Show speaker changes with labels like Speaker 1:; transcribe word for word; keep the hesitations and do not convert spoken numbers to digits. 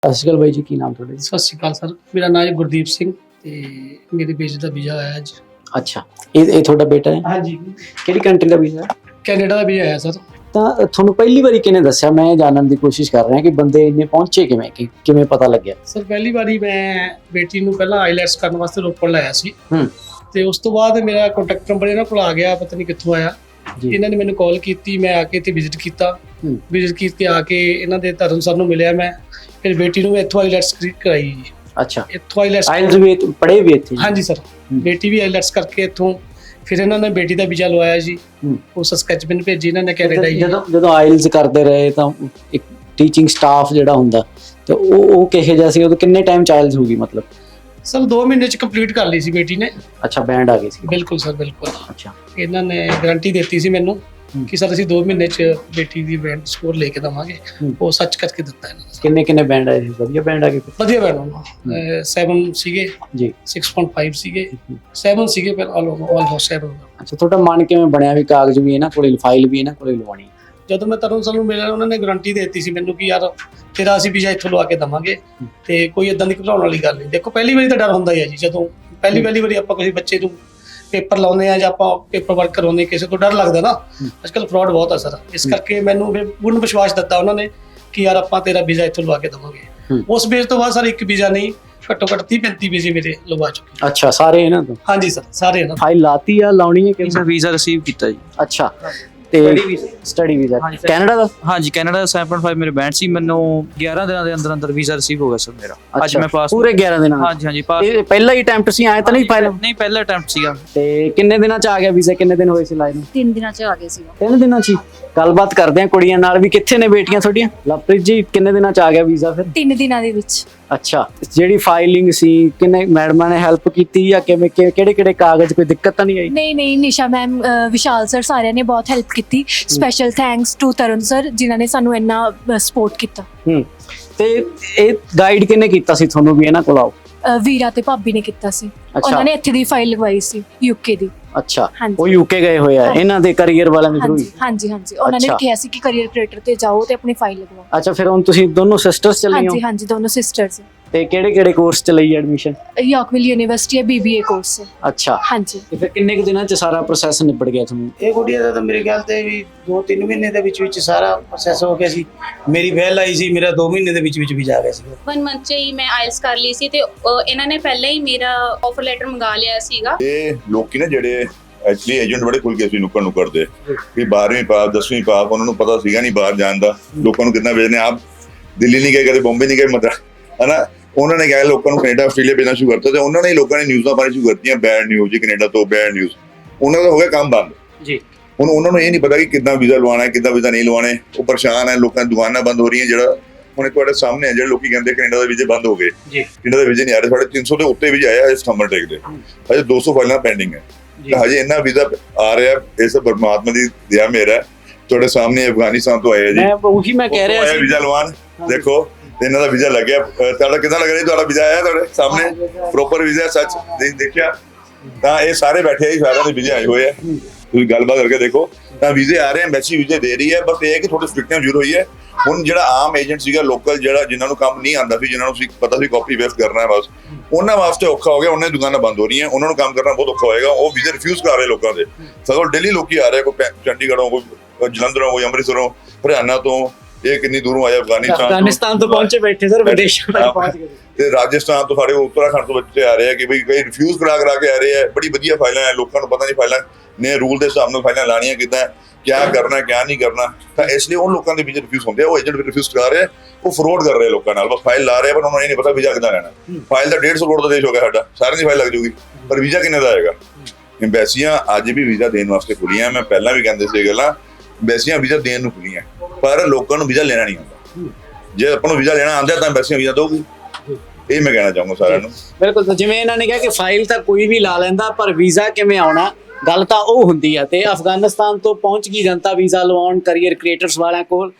Speaker 1: ਸਤਿ ਸ਼੍ਰੀ ਅਕਾਲ ਬਾਈ ਜੀ, ਕੀ ਨਾਮ ਤੁਹਾਡਾ ਜੀ?
Speaker 2: ਸਤਿ ਸ਼੍ਰੀ ਅਕਾਲ ਸਰ, ਮੇਰਾ ਨਾਮ ਹੈ ਗੁਰਦੀਪ ਸਿੰਘ ਤੇ ਮੇਰੇ ਬੇਟੇ ਦਾ ਵੀਜ਼ਾ ਆਇਆ ਅੱਜ।
Speaker 1: ਅੱਛਾ, ਇਹ ਇਹ ਤੁਹਾਡਾ ਬੇਟਾ ਹੈ?
Speaker 2: ਹਾਂਜੀ,
Speaker 1: ਕਿਹੜੀ ਕੰਟਰੀ ਦਾ ਵੀਜ਼ਾ?
Speaker 2: ਕੈਨੇਡਾ ਦਾ ਵੀਜ਼ਾ ਆਇਆ ਸਰ।
Speaker 1: ਤਾਂ ਤੁਹਾਨੂੰ ਪਹਿਲੀ ਵਾਰੀ ਕਿਹਨੇ ਦੱਸਿਆ? ਮੈਂ ਜਾਣਨ ਦੀ ਕੋਸ਼ਿਸ਼ ਕਰ ਰਿਹਾ ਕਿ ਬੰਦੇ ਇੰਨੇ ਪਹੁੰਚੇ ਕਿਵੇਂ, ਕਿ ਕਿਵੇਂ ਪਤਾ ਲੱਗਿਆ?
Speaker 2: ਸਰ ਪਹਿਲੀ ਵਾਰੀ ਮੈਂ ਬੇਟੀ ਨੂੰ ਪਹਿਲਾਂ ਆਈਲੈਟਸ ਕਰਨ ਵਾਸਤੇ ਰੋਪੜ ਲਾਇਆ ਸੀ
Speaker 1: ਹੂੰ
Speaker 2: ਤੇ ਉਸ ਤੋਂ ਬਾਅਦ ਮੇਰਾ ਕੰਟੈਕਟ ਨੰਬਰ ਇਹਨਾਂ ਕੋਲ ਆ ਗਿਆ, ਪਤਾ ਨਹੀਂ ਕਿੱਥੋਂ ਆਇਆ।
Speaker 1: ਜੀ
Speaker 2: ਇਹਨਾਂ ਨੇ ਮੈਨੂੰ ਕਾਲ ਕੀਤੀ, ਮੈਂ ਆ ਕੇ ਇੱਥੇ ਵਿਜ਼ਿਟ ਕੀਤਾ।
Speaker 1: ਹੂੰ
Speaker 2: ਵਿਜ਼ਿਟ ਕਰਕੇ ਆ ਕੇ ਇਹਨਾਂ ਦੇ ਧਰਮ ਸਰ ਨੂੰ ਮਿਲਿਆ ਮੈਂ, ਫਿਰ ਬੇਟੀ ਨੂੰ ਇੱਥੋਂ ਆਈਲੈਟਸ ਕਰਾਈ ਜੀ।
Speaker 1: ਅੱਛਾ,
Speaker 2: ਇੱਥੋਂ ਆਈਲੈਟਸ
Speaker 1: ਆਇਲਸ ਵੀ ਪੜ੍ਹੇ ਵੀ ਇੱਥੇ?
Speaker 2: ਹਾਂਜੀ ਸਰ, ਬੇਟੀ ਵੀ ਆਈਲੈਟਸ ਕਰਕੇ ਇੱਥੋਂ ਫਿਰ ਇਹਨਾਂ ਨੇ ਬੇਟੀ ਦਾ ਵੀਜ਼ਾ ਲਵਾਇਆ ਜੀ।
Speaker 1: ਹੂੰ
Speaker 2: ਉਸ ਸਕੈਚਪੈਨ ਭੇਜੀ ਇਹਨਾਂ ਨੇ ਕੈਨੇਡਾ ਜੀ।
Speaker 1: ਜਦੋਂ ਜਦੋਂ ਆਇਲਸ ਕਰਦੇ ਰਹੇ ਤਾਂ ਇੱਕ ਟੀਚਿੰਗ ਸਟਾਫ ਜਿਹੜਾ ਹੁੰਦਾ ਤੇ ਉਹ ਉਹ ਕਿਹੋ ਜਿਹਾ ਸੀ? ਉਦੋਂ ਕਿੰਨੇ ਟਾਈਮ ਚ ਆਇਲਸ ਹੋਊਗੀ ਮਤਲਬ?
Speaker 2: ਸਰ ਦੋ ਮਹੀਨੇ ਚ ਕੰਪਲੀਟ ਕਰ ਲਈ ਸੀ ਬੇਟੀ ਨੇ।
Speaker 1: ਅੱਛਾ, ਬੈਂਡ ਆ ਗਈ ਸੀ?
Speaker 2: ਬਿਲਕੁਲ ਸਰ, ਬਿਲਕੁਲ।
Speaker 1: ਅੱਛਾ,
Speaker 2: ਇਹਨਾਂ ਨੇ ਗਾਰੰਟੀ ਦਿੱਤੀ ਸੀ ਮੈਨੂੰ
Speaker 1: ਹੂੰ।
Speaker 2: ਕਿ ਸਰ ਅਸੀਂ ਦੋ ਮਹੀਨੇ ਚ ਬੇਟੀ ਦੀ ਬੈਂਡ ਸਕੋਰ ਲੈ ਕੇ ਦਵਾਂਗੇ।
Speaker 1: ਹੂੰ।
Speaker 2: ਉਹ ਸੱਚ ਕਰਕੇ ਦਿੱਤਾ ਇਹਨਾਂ ਨੇ।
Speaker 1: ਕਿੰਨੇ ਕਿੰਨੇ ਬੈਂਡ ਆਏ ਸੀ? ਵਧੀਆ ਬੈਂਡ ਆ ਗਏ?
Speaker 2: ਵਧੀਆ ਬੈਂਡ ਸੈਵਨ ਸੀਗੇ
Speaker 1: ਜੀ।
Speaker 2: ਸਿਕਸ ਪੁਆਇੰਟ ਫਾਈਵ ਸੀਗੇ,
Speaker 1: ਹੂੰ।
Speaker 2: ਸੈਵਨ ਸੀਗੇ, ਪਰ ਆਲਮੋਸਟ ਸੈਵਨ।
Speaker 1: ਅੱਛਾ, ਤੁਹਾਡਾ ਮਨ ਕਿਵੇਂ ਬਣਿਆ ਵੀ ਕਾਗਜ਼ ਵੀ ਇਹਨਾਂ ਕੋਲੇ, ਫਾਈਲ ਵੀ ਇਹਨਾਂ ਕੋਲੇ ਲਵਾਉਣੀ?
Speaker 2: ਜਦੋਂ ਮੈਂ ਤਰੁਣ ਸਰ ਨੂੰ ਮਿਲਿਆ, ਉਹਨਾਂ ਨੇ ਗਾਰੰਟੀ ਦੇ ਦਿੱਤੀ ਸੀ ਮੈਨੂੰ ਕਿ ਯਾਰ ਤੇਰਾ ਅਸੀਂ ਵੀਜ਼ਾ ਇੱਥੋਂ ਲਵਾ ਕੇ ਦਵਾਂਗੇ ਤੇ ਕੋਈ ਇਦਾਂ ਦੀ ਘਬਰਾਉਣ ਵਾਲੀ ਗੱਲ ਨਹੀਂ। ਦੇਖੋ ਪਹਿਲੀ ਵਾਰੀ ਤਾਂ ਡਰ ਹੁੰਦਾ ਹੀ ਹੈ ਜੀ, ਜਦੋਂ ਪਹਿਲੀ ਪਹਿਲੀ ਵਾਰੀ ਆਪਾਂ ਕਿਸੇ ਬੱਚੇ ਨੂੰ ਪੇਪਰ ਲਾਉਂਦੇ ਆ ਜਾਂ ਆਪਾਂ ਪੇਪਰ ਵਰਕ ਕਰਾਉਂਦੇ, ਕਿਸੇ ਤੋਂ ਡਰ ਲੱਗਦਾ ਨਾ। ਅੱਜ ਕੱਲ੍ਹ ਫਰਾਡ ਬਹੁਤ ਆ ਸਰ, ਇਸ ਕਰਕੇ ਮੈਨੂੰ ਫਿਰ ਪੂਰਨ ਵਿਸ਼ਵਾਸ ਦਿੱਤਾ ਉਹਨਾਂ ਨੇ ਕਿ ਯਾਰ ਆਪਾਂ ਤੇਰਾ ਵੀਜ਼ਾ ਇੱਥੋਂ ਲਵਾ ਕੇ ਦਵਾਂਗੇ। ਉਸ ਬੇਸ ਤੋਂ ਬਾਅਦ ਸਰ ਇੱਕ ਵੀਜ਼ਾ ਨਹੀਂ, ਘੱਟੋ ਘੱਟ ਤੀਹ ਪੈਂਤੀ ਵੀਜ਼ੇ ਮੇਰੇ ਲਵਾ ਚੁੱਕੇ।
Speaker 1: ਅੱਛਾ, ਸਾਰੇ ਇਹਨਾਂ ਤੋਂ?
Speaker 2: ਹਾਂਜੀ ਸਰ, ਸਾਰੇ ਇਹਨਾਂ
Speaker 1: ਫਾਈਲ ਲਾਤੀ ਆ, ਲਾਉਣੀ ਹੈ ਕਿ?
Speaker 3: ਵੀਜ਼ਾ ਵੀਜ਼ਾ ਰਿਸੀਵ ਕੀਤਾ ਜੀ।
Speaker 1: ਅੱਛਾ, ਤੇ ਸਟੱਡੀ ਵੀਜ਼ਾ ਕੈਨੇਡਾ ਦਾ?
Speaker 3: ਹਾਂਜੀ, ਕੈਨੇਡਾ ਦਾ ਸੈਵਨ ਪੁਆਇੰਟ ਫਾਈਵ ਮੇਰੇ ਬੈਂਡ ਸੀ। ਮੈਨੂੰ ਗਿਆਰਾਂ ਦਿਨਾਂ ਦੇ ਅੰਦਰ ਅੰਦਰ ਵੀਜ਼ਾ ਰਿਸੀਵ ਹੋ ਗਿਆ ਸਰ ਮੇਰਾ। ਅੱਜ ਮੈਂ ਪਾਸ
Speaker 1: ਪੂਰੇ ਗਿਆਰਾਂ ਦਿਨਾਂ?
Speaker 3: ਹਾਂਜੀ ਹਾਂਜੀ ਪਾਸ।
Speaker 1: ਇਹ ਪਹਿਲਾ ਹੀ ਅਟੈਂਪਟ ਸੀ? ਆਏ ਤਾਂ ਨਹੀਂ ਫਾਈਲ?
Speaker 3: ਨਹੀਂ, ਪਹਿਲਾ ਅਟੈਂਪਟ ਸੀਗਾ।
Speaker 1: ਤੇ ਕਿੰਨੇ ਦਿਨਾਂ ਚ ਆ ਗਿਆ ਵੀਜ਼ਾ? ਕਿੰਨੇ ਦਿਨ ਹੋਏ ਸੀ ਲਾਏ ਨੂੰ?
Speaker 4: ਤਿੰਨ ਦਿਨਾਂ ਚ ਆ ਗਏ ਸੀ।
Speaker 1: ਤਿੰਨ ਦਿਨਾਂ ਚ ਹੀ? ਗੱਲਬਾਤ ਕਰਦੇ ਆ ਕੁੜੀਆਂ ਨਾਲ ਵੀ। ਕਿੱਥੇ ਨੇ ਬੇਟੀਆਂ ਤੁਹਾਡੀਆਂ? ਲਵਪ੍ਰੀਤ ਜੀ, ਕਿੰਨੇ ਦਿਨਾਂ ਚ ਆ ਗਿਆ ਵੀਜ਼ਾ ਫਿਰ?
Speaker 4: ਤਿੰਨ ਦਿਨਾਂ ਦੇ ਵਿੱਚ।
Speaker 1: ਅੱਛਾ, ਜਿਹੜੀ ਫਾਈਲਿੰਗ ਸੀ ਕਿੰਨੇ ਮੈਡਮਾਂ ਨੇ ਹੈਲਪ ਕੀਤੀ ਜਾਂ ਕਿਵੇਂ, ਕਿਹੜੇ ਕਿਹੜੇ ਕਾਗਜ਼, ਕੋਈ ਦਿੱਕਤ ਤਾਂ ਨਹੀਂ ਆਈ?
Speaker 4: ਨਹੀਂ ਨਹੀਂ, ਨਿਸ਼ਾ ਮੈਮ, ਵਿਸ਼ਾਲ ਸਰ, ਸਾਰਿਆਂ ਨੇ ਬਹੁਤ ਹੈਲਪ ਕੀਤੀ। Special thanks to Tarun sir ਜਿਨ੍ਹਾਂ ਨੇ ਸਾਨੂੰ ਇੰਨਾ ਸਪੋਰਟ ਕੀਤਾ।
Speaker 1: ਹੂੰ ਤੇ ਇਹ ਗਾਈਡ ਕਿਹਨੇ ਕੀਤਾ ਸੀ ਤੁਹਾਨੂੰ ਵੀ ਇਹਨਾਂ ਕੋਲ ਆਓ?
Speaker 4: ਅ, ਵੀਰਾ ਤੇ ਭਾਬੀ ਨੇ ਕੀਤਾ ਸੀ।
Speaker 1: ਅੱਛਾ।
Speaker 4: ਉਹਨਾਂ ਨੇ ਇੱਥੇ ਦੀ ਫਾਈਲ ਲਗਵਾਈ ਸੀ, ਯੂਕੇ ਦੀ।
Speaker 1: ਅੱਛਾ,
Speaker 4: ਹਾਂਜੀ।
Speaker 1: ਉਹ ਯੂਕੇ ਗਏ ਹੋਏ ਆ ਇਹਨਾਂ ਦੇ ਕੈਰੀਅਰ ਵਾਲਿਆਂ ਦੇ ਥਰੂ?
Speaker 4: ਹਾਂਜੀ ਹਾਂਜੀ ਹਾਂਜੀ, ਉਹਨਾਂ ਨੇ
Speaker 1: ਅੱਛਾ।
Speaker 4: ਕਿਹਾ ਸੀ ਕਿ ਕੈਰੀਅਰ ਕ੍ਰੀਏਟਰ ਤੇ ਜਾਓ ਤੇ ਆਪਣੀ ਫਾਈਲ ਲਗਵਾਓ।
Speaker 1: ਅੱਛਾ, ਫਿਰ ਹੁਣ ਤੁਸੀਂ ਦੋਨੋਂ ਸਿਸਟਰਸ ਚੱਲੇ ਹੋ?
Speaker 4: ਹਾਂਜੀ ਹਾਂਜੀ, ਦੋਨੋਂ ਸਿਸਟਰਸ।
Speaker 1: ਤੇ ਕਿਹੜੇ ਕਿਹੜੇ ਕੋਰਸ ਚ ਲਈ ਐਡਮਿਸ਼ਨ?
Speaker 4: ਯਾਰਕਵਿਲ ਯੂਨੀਵਰਸਿਟੀ ਹੈ, ਬੀਬੀਏ ਕੋਰਸ ਹੈ।
Speaker 1: ਅੱਛਾ,
Speaker 4: ਹਾਂਜੀ।
Speaker 1: ਤੇ ਫਿਰ ਕਿੰਨੇ ਕੁ ਦਿਨਾਂ ਚ ਸਾਰਾ ਪ੍ਰੋਸੈਸ ਨਿਬੜ ਗਿਆ ਤੁਹਾਨੂੰ?
Speaker 5: ਇਹ ਗੁੱਡੀਆ ਦਾ ਤਾਂ ਮੇਰੇ ਖਿਆਲ ਤੇ ਵੀ ਦੋ ਤਿੰਨ ਮਹੀਨੇ ਦੇ ਵਿੱਚ ਵਿੱਚ ਸਾਰਾ ਪ੍ਰੋਸੈਸ ਹੋ ਗਿਆ ਸੀ। ਮੇਰੀ ਵੈਲ ਆਈ ਸੀ, ਮੇਰਾ ਦੋ ਮਹੀਨੇ ਦੇ ਵਿੱਚ ਵਿੱਚ ਵੀ ਜਾ ਗਿਆ ਸੀ।
Speaker 6: ਵਨ ਮੰਥ 'ਚ ਹੀ ਮੈਂ ਆਇਲਸ ਕਰ ਲਈ ਸੀ ਤੇ ਅਹ, ਇਹਨਾਂ ਨੇ ਪਹਿਲਾਂ ਹੀ ਮੇਰਾ ਆਫਰ ਲੈਟਰ ਮੰਗਾ ਲਿਆ ਸੀਗਾ।
Speaker 7: ਇਹ ਲੋਕੀ ਨਾ ਜਿਹੜੇ ਐਕਚੁਅਲੀ ਏਜੰਟ ਬੜੇ ਖੁੱਲ ਕੇ ਸੀ ਨੁੱਕਰ ਨੁੱਕਰ ਦੇ ਵੀ ਬਾਰਵੀਂ ਪਾਸ ਦਸਵੀਂ ਪਾਸ, ਉਹਨਾਂ ਨੂੰ ਪਤਾ ਸੀਗਾ ਨਹੀਂ ਬਾਹਰ ਜਾਣ ਦਾ, ਲੋਕਾਂ ਨੂੰ ਕਿੰਨਾ ਵੇਚਨੇ। ਆਪ ਦਿੱਲੀ ਨਹੀਂ ਗਏ, ਕਦੇ ਬੰਬੇ ਨਹੀਂ ਗਏ, ਮਤਲਬ ਹੈ ਨਾ। ਉਹਨਾਂ ਨੇ ਕਿਹਾ ਲੋਕਾਂ ਨੂੰ ਕੈਨੇਡਾ ਆਸਟ੍ਰੇਲੀਆ ਭੇਜਣਾ ਸ਼ੁਰੂ ਕਰਤਾ ਤੇ ਉਹਨਾਂ ਨੇ ਲੋਕਾਂ ਨੇ ਨਿਊਜ਼ਾਂ ਪਾਣੀ ਸ਼ੁਰੂ ਕਰਤੀਆਂ, ਬੈਡ ਨਿਊਜ਼ ਜੀ ਕੈਨੇਡਾ ਤੋਂ, ਬੈਡ ਨਿਊਜ਼। ਉਹਨਾਂ ਦਾ ਹੋ ਗਿਆ ਕੰਮ ਬੰਦ
Speaker 1: ਜੀ।
Speaker 7: ਹੁਣ ਉਹਨਾਂ ਨੂੰ ਇਹ ਨਹੀਂ ਪਤਾ ਕਿ ਕਿੱਦਾਂ ਵੀਜ਼ਾ ਲਵਾਉਣਾ ਹੈ, ਕਿੱਦਾਂ ਵੀਜ਼ਾ ਨਹੀਂ ਲਵਾਉਣੇ। ਉਹ ਪਰੇਸ਼ਾਨ ਹੈ, ਲੋਕਾਂ ਦੀ ਦੁਕਾਨਾਂ ਬੰਦ ਹੋ ਰਹੀਆਂ। ਜਿਹੜਾ ਹੁਣ ਤੁਹਾਡੇ ਸਾਹਮਣੇ ਹੈ, ਜਿਹੜੇ ਲੋਕੀ ਕਹਿੰਦੇ ਕੈਨੇਡਾ ਦੇ ਵੀਜ਼ੇ ਬੰਦ ਹੋ ਗਏ, ਕੈਨੇਡਾ ਦੇ ਵੀਜ਼ੇ ਨਹੀਂ ਆ ਰਹੇ। ਸਾਡੇ ਤਿੰਨ ਸੌ ਦੇ ਉੱਤੇ ਵੀਜ਼ੇ ਆਇਆ ਹਜੇ ਸਤੰਬਰ ਟੇਕ ਦੇ, ਹਜੇ ਦੋ ਸੌ ਫਾਈਲਾਂ ਪੈਂਡਿੰਗ ਹੈ। ਹਜੇ ਇੰਨਾ ਵੀਜ਼ਾ ਆ ਰਿਹਾ, ਇਸ ਪਰਮਾਤਮਾ ਦੀ ਦਇਆ ਮੇਰਾ ਹੈ। ਤੁਹਾਡੇ ਸਾਹਮਣੇ ਅਫਗਾਨਿਸਤਾਨ ਤੋਂ ਆਏ ਆ ਜੀ,
Speaker 1: ਮੈਂ ਉਹੀ ਮੈਂ ਕਹਿ ਰਿਹਾ ਸੀ
Speaker 7: ਵੀਜ਼ਾ ਲਵਾਉਣ। ਦੇਖੋ ਇਹਨਾਂ ਦਾ ਵੀਜ਼ਾ ਲੱਗਿਆ, ਤੁਹਾਡਾ ਕਿੱਦਾਂ ਲੱਗ ਰਿਹਾ? ਤੁਹਾਡਾ ਵੀਜ਼ਾ ਆਇਆ ਤੁਹਾਡੇ ਸਾਹਮਣੇ, ਪ੍ਰੋਪਰ ਵੀਜ਼ਾ ਸੱਚ ਦੇਖਿਆ ਤਾਂ ਇਹ ਸਾਰੇ ਬੈਠੇ ਆ ਜੀ, ਸਾਰਿਆਂ ਦੇ ਵੀਜ਼ੇ ਆਏ ਹੋਏ ਆ। ਤੁਸੀਂ ਗੱਲਬਾਤ ਕਰਕੇ ਦੇਖੋ ਤਾਂ ਵੀਜ਼ੇ ਆ ਰਹੇ, ਐਮਬੈਸੀ ਵੀਜ਼ੇ ਦੇ ਰਹੀ ਹੈ। ਬਸ ਇਹ ਹੈ ਕਿ ਥੋੜੀ ਸਟ੍ਰਿਕਟਨੈਸ ਜ਼ਰੂਰ ਹੋਈ ਹੈ। ਹੁਣ ਜਿਹੜਾ ਆਮ ਏਜੰਟ ਸੀਗਾ ਲੋਕਲ, ਜਿਹੜਾ ਜਿਨ੍ਹਾਂ ਨੂੰ ਕੰਮ ਨਹੀਂ ਆਉਂਦਾ ਸੀ, ਜਿਨ੍ਹਾਂ ਨੂੰ ਪਤਾ ਸੀ ਕਾਪੀ ਵੇਸਟ ਕਰਨਾ ਹੈ ਬਸ, ਉਹਨਾਂ ਵਾਸਤੇ ਔਖਾ ਹੋ ਗਿਆ। ਉਹਨਾਂ ਦੀ ਦੁਕਾਨਾਂ ਬੰਦ ਹੋ ਰਹੀਆਂ, ਉਹਨਾਂ ਨੂੰ ਕੰਮ ਕਰਨਾ ਬਹੁਤ ਔਖਾ ਹੋਏਗਾ। ਉਹ ਵੀਜ਼ੇ ਰਿਫਿਊਜ਼ ਕਰ ਰਹੇ ਲੋਕਾਂ ਦੇ। ਸਗੋਂ ਦਿੱਲੀ ਲੋਕੀ ਆ ਰਹੇ, ਕੋਈ ਚੰਡੀਗੜ੍ਹੋਂ, ਕੋਈ ਜਲੰਧਰੋਂ, ਕੋਈ ਅੰਮ੍ਰਿਤਸਰੋਂ, ਹਰਿਆਣਾ ਤੋਂ, ਇਹ ਕਿੰਨੀ ਦੂਰੋਂ ਆਏ ਅਫਗਾਨਿਸਤਾਨ
Speaker 1: ਅਫਗਾਨਿਸਤਾਨ ਤੋਂ ਪਹੁੰਚੇ ਬੈਠੇ ਸਰ, ਵਿਦੇਸ਼ਾਂ ਤੱਕ ਪਹੁੰਚ ਗਏ।
Speaker 7: ਤੇ ਰਾਜਸਥਾਨ ਤੋਂ, ਸਾਡੇ ਉੱਤਰਾਖੰਡ ਤੋਂ ਬੱਚੇ ਆ ਰਹੇ ਆ ਕਿ ਬਈ ਕਈ ਰਿਫਿਊਜ਼ ਕਰਾ ਕਰਾ ਕੇ ਆ ਰਹੇ ਆ। ਬੜੀ ਵਧੀਆ ਫਾਈਲਾਂ ਹੈ, ਲੋਕਾਂ ਨੂੰ ਪਤਾ ਨਹੀਂ ਫਾਈਲਾਂ ਨੇ ਰੂਲ ਦੇ ਹਿਸਾਬ ਨਾਲ ਫਾਈਲਾਂ ਲਾਣੀਆਂ ਕਿੱਦਾਂ, ਕਿਆ ਕਰਨਾ ਕਿਆ ਨਹੀਂ ਕਰਨਾ। ਤਾਂ ਇਸ ਲਈ ਉਹ ਲੋਕਾਂ ਦੇ ਵੀਜ਼ੇ ਰਿਫਿਊਜ਼ ਹੁੰਦੇ ਆ, ਉਹ ਏਜੰਟ ਵੀ ਰਿਫਿਊਜ਼ ਕਰਾ ਰਹੇ ਆ, ਉਹ ਫਰੋਡ ਕਰ ਰਹੇ ਲੋਕਾਂ ਨਾਲ। ਬਸ ਫਾਈਲ ਲਾ ਰਹੇ, ਪਰ ਉਹਨਾਂ ਨੂੰ ਇਹ ਨਹੀਂ ਪਤਾ ਵੀਜ਼ਾ ਕਿੱਦਾਂ ਲੈਣਾ। ਫਾਈਲ ਦਾ ਡੇਢ ਸੌ ਕਰੋੜ ਦਾ ਦੇਸ਼ ਹੋ ਗਿਆ ਸਾਡਾ, ਸਾਰਿਆਂ ਦੀ ਫਾਈਲ ਲੱਗ ਜੂਗੀ, ਪਰ ਵੀਜ਼ਾ ਕਿੰਨੇ ਦਾ ਆਏਗਾ? ਐਮਬੈਸੀਆਂ ਅੱਜ ਵੀ ਵੀਜ਼ਾ ਦੇਣ ਵਾਸਤੇ ਖੁੱਲੀਆਂ। ਮੈਂ ਪਹਿਲਾਂ ਵੀ ਕਹਿੰਦੇ ਸੀ ਗੱਲਾਂ, ਐਮਬੈਸੀਆਂ ਵੀਜ਼ਾ ਦੇਣ ਨੂੰ ਖੁੱਲੀਆਂ, ਪਰ ਲੋਕਾਂ ਨੂੰ ਵੀਜ਼ਾ ਲੈਣਾ ਨਹੀਂ ਆਉਂਦਾ। ਜੇ ਆਪਾਂ ਨੂੰ ਵੀਜ਼ਾ ਲੈਣਾ ਆਉਂਦਾ ਤਾਂ ਐਮਬੈਸੀਆਂ ਵੀਜ਼ਾ ਦਊਗੀ। ਇਹ ਮੈਂ ਕਹਿਣਾ ਚਾਹੂੰਗਾ ਸਾਰਿਆਂ ਨੂੰ।
Speaker 1: ਬਿਲਕੁਲ, ਜਿਵੇਂ ਇਹਨਾਂ ਨੇ ਕਿਹਾ ਕਿ ਫਾਈਲ ਤਾਂ ਕੋਈ ਵੀ ਲਾ ਲੈਂਦਾ, ਪਰ ਵੀਜ਼ਾ ਕਿਵੇਂ ਆਉਣਾ, ਗੱਲ ਤਾਂ ਉਹ ਹੁੰਦੀ ਆ। ਤੇ ਅਫਗਾਨਿਸਤਾਨ ਤੋਂ ਪਹੁੰਚ ਗਈ ਜਨਤਾ ਵੀਜ਼ਾ ਲਵਾਉਣ ਕੈਰੀਅਰ ਕ੍ਰੀਏਟਰਸ ਵਾਲਿਆਂ ਕੋਲ,